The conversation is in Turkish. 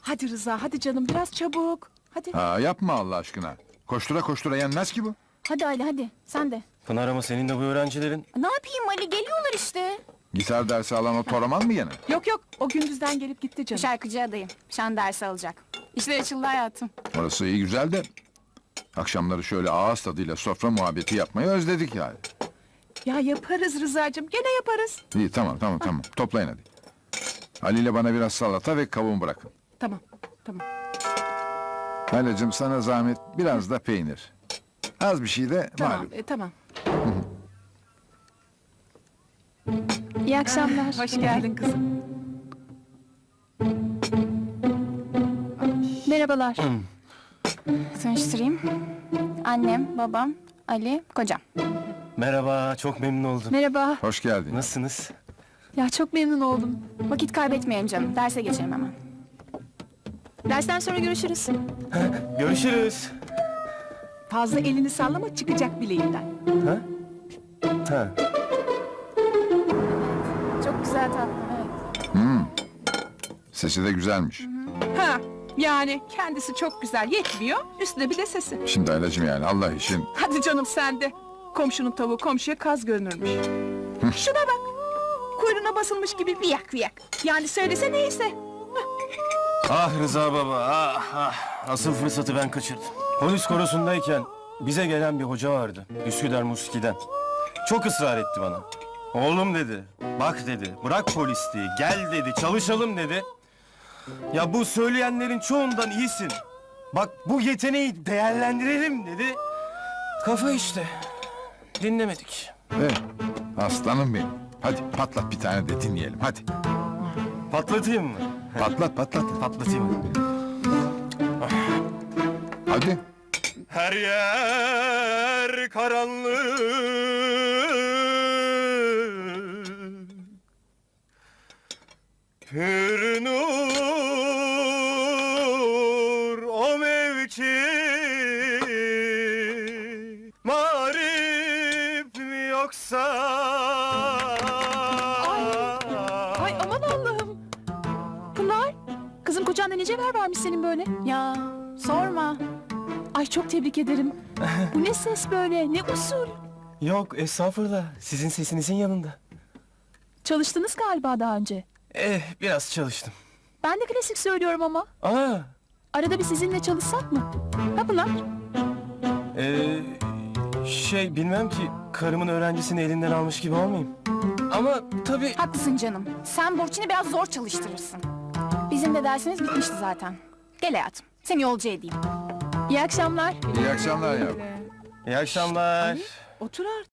Hadi Rıza, hadi canım biraz çabuk. Hadi. Ha, yapma Allah aşkına. Koştura koştura yenmez ki bu. Hadi Ali hadi sen de. Pınar ama senin de bu öğrencilerin... Ne yapayım Ali geliyorlar işte. Gitar dersi alan o toraman mı gene? Yok yok, o gündüzden gelip gitti canım. Şarkıcı adayım. Şan dersi alacak. İşler açıldı hayatım. Orası iyi güzel de... Akşamları şöyle ağız tadıyla sofra muhabbeti yapmayı özledik yani. Ya yaparız Rıza'cığım, gene yaparız. İyi tamam. Toplayın hadi. Ali ile bana biraz salata ve kavun bırakın. Tamam. Halacığım sana zahmet biraz da peynir. Az bir şey de Tamam, malum. tamam. İyi akşamlar. Hoş geldin kızım. Merhabalar. Tanıştırayım. Annem, babam, Ali, kocam. Merhaba, çok memnun oldum. Merhaba. Hoş geldin. Nasılsınız? Ya çok memnun oldum. Vakit kaybetmeyelim canım. Derse geçelim hemen. Dersten sonra görüşürüz. Görüşürüz. Fazla elini sallama, çıkacak bileğinden. Ha? Ha. Çok güzel tatlım evet. Sesi de güzelmiş. Ha, yani kendisi çok güzel, yetmiyor. Üstüne bir de sesi. Şimdi Halacığım yani Allah için. Hadi canım sen de. Komşunun tavuğu komşuya kaz görünürmüş. Şuna bak. Kuyruğuna basılmış gibi viyak viyak. Yani söylese neyse. Ah Rıza baba, Asıl fırsatı ben kaçırdım. Polis korosundayken bize gelen bir hoca vardı. Üsküdar Muski'den. Çok ısrar etti bana. Oğlum dedi, bak dedi, bırak polisliği, gel dedi, çalışalım dedi. Ya bu söyleyenlerin çoğundan iyisin. Bak bu yeteneği değerlendirelim dedi. Kafa işte. Dinlemedik. Aslanım benim. Hadi patlat bir tane de dinleyelim hadi. Patlatayım mı? Patlat. Patlatayım. Hadi. Her yer karanlık. Pür nur o mevki. Marif mi yoksa? Ay aman Allah'ım. Pınar, kızım kocanda ne cevher varmış senin böyle. Ya sorma. Ay çok tebrik ederim. Bu ne ses böyle, ne usul. Yok estağfurullah. Sizin sesinizin yanında. Çalıştınız galiba daha önce. Biraz çalıştım. Ben de klasik söylüyorum ama. Aa, Arada bir sizinle çalışsak mı? Ha Pınar? bilmem ki karımın öğrencisini elinden almış gibi olmayayım. Ama tabii... Haklısın canım. Sen Burçin'i biraz zor çalıştırırsın. Bizim de dersimiz bitmişti zaten. Gel hayatım. Seni yolcu edeyim. İyi akşamlar. İyi akşamlar yavrum. İyi akşamlar. Otur artık.